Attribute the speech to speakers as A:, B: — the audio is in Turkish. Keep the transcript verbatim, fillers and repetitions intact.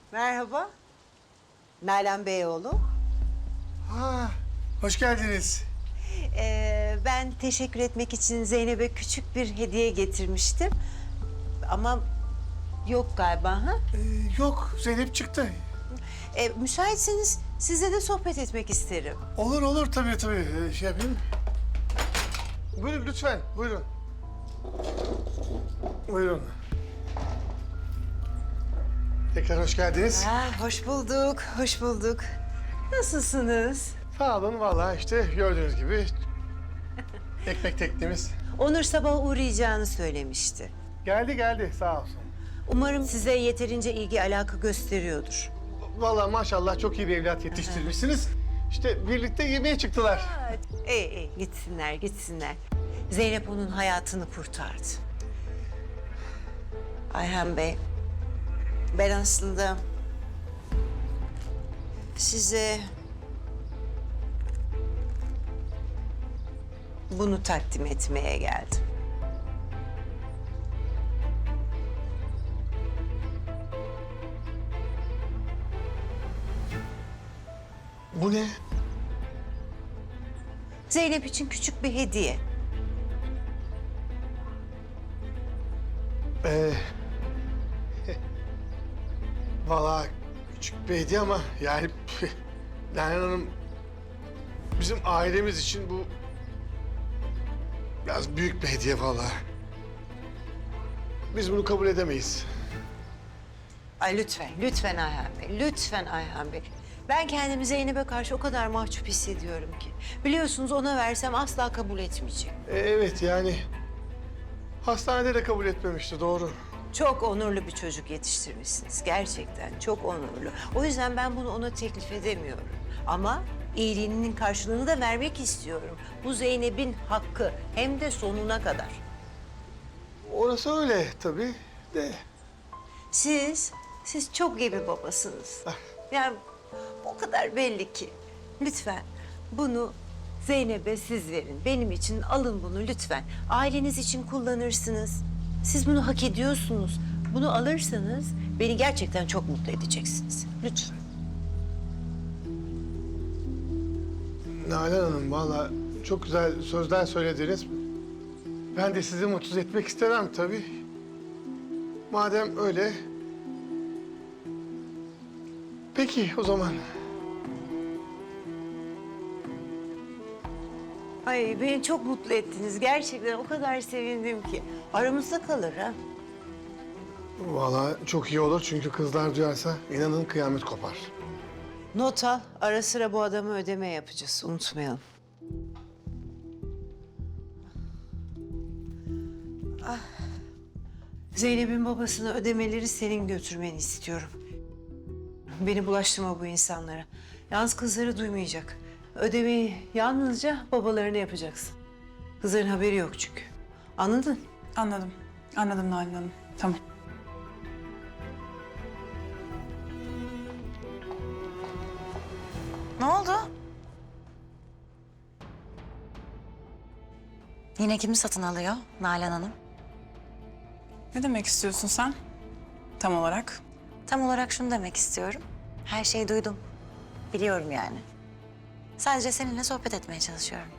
A: Merhaba. Nalan Beyoğlu.
B: Ha, hoş geldiniz.
A: Ee, ben teşekkür etmek için Zeynep'e küçük bir hediye getirmiştim. Ama yok galiba ha?
B: Ee, yok, Zeynep çıktı.
A: Ee, müsaitseniz size de sohbet etmek isterim.
B: Olur olur tabii tabii. Ee, şey yapayım. Buyurun lütfen, buyurun. Buyurun. Tekrar hoş geldiniz.
A: Ha, hoş bulduk, hoş bulduk. Nasılsınız?
B: Sağ olun vallahi işte gördüğünüz gibi ekmek teknemiz.
A: Onur sabah uğrayacağını söylemişti.
B: Geldi geldi sağ olsun.
A: Umarım size yeterince ilgi alaka gösteriyordur.
B: Vallahi maşallah çok iyi bir evlat yetiştirmişsiniz. İşte birlikte yemeğe çıktılar.
A: İyi iyi gitsinler gitsinler. Zeynep onun hayatını kurtardı. Ayhan Bey, ben aslında size bunu takdim etmeye geldim.
B: Bu ne?
A: Zeynep için küçük bir hediye.
B: Ee, vallahi küçük bir hediye ama yani Nalan Hanım bizim ailemiz için bu biraz büyük bir hediye vallahi. Biz bunu kabul edemeyiz.
A: Ay lütfen, lütfen Ayhan Bey, lütfen Ayhan Bey. Ben kendimi Zeynep'e karşı o kadar mahcup hissediyorum ki. Biliyorsunuz ona versem asla kabul etmeyecek.
B: Ee, evet yani hastanede de kabul etmemişti doğru.
A: Çok onurlu bir çocuk yetiştirmişsiniz. Gerçekten çok onurlu. O yüzden ben bunu ona teklif edemiyorum. Ama iyiliğinin karşılığını da vermek istiyorum. Bu Zeynep'in hakkı. Hem de sonuna kadar.
B: Orası öyle tabii de.
A: Siz, siz çok iyi bir babasınız. Yani o kadar belli ki. Lütfen bunu Zeynep'e siz verin. Benim için alın bunu lütfen. Aileniz için kullanırsınız. Siz bunu hak ediyorsunuz. Bunu alırsanız beni gerçekten çok mutlu edeceksiniz. Lütfen.
B: Nalan Hanım vallahi çok güzel sözler söylediniz. Ben de sizi mutsuz etmek istemem tabii. Madem öyle. Peki o zaman.
A: Ay beni çok mutlu ettiniz. Gerçekten o kadar sevindim ki. Aramızda kalır ha.
B: Vallahi çok iyi olur çünkü kızlar duyarsa inanın kıyamet kopar.
A: Not al. Ara sıra bu adama ödeme yapacağız. Unutmayalım. Ah. Zeynep'in babasına ödemeleri senin götürmeni istiyorum. Beni bulaştırma bu insanlara. Yalnız kızları duymayacak. Ödemeyi yalnızca babalarına yapacaksın. Kızların haberi yok çünkü. Anladın?
C: Anladım. Anladım Nalan Hanım. Tamam.
D: Ne oldu? Yine kimi satın alıyor Nalan Hanım?
C: Ne demek istiyorsun sen? Tam olarak.
D: Tam olarak şunu demek istiyorum. Her şeyi duydum. Biliyorum yani. Sadece seninle sohbet etmeye çalışıyorum.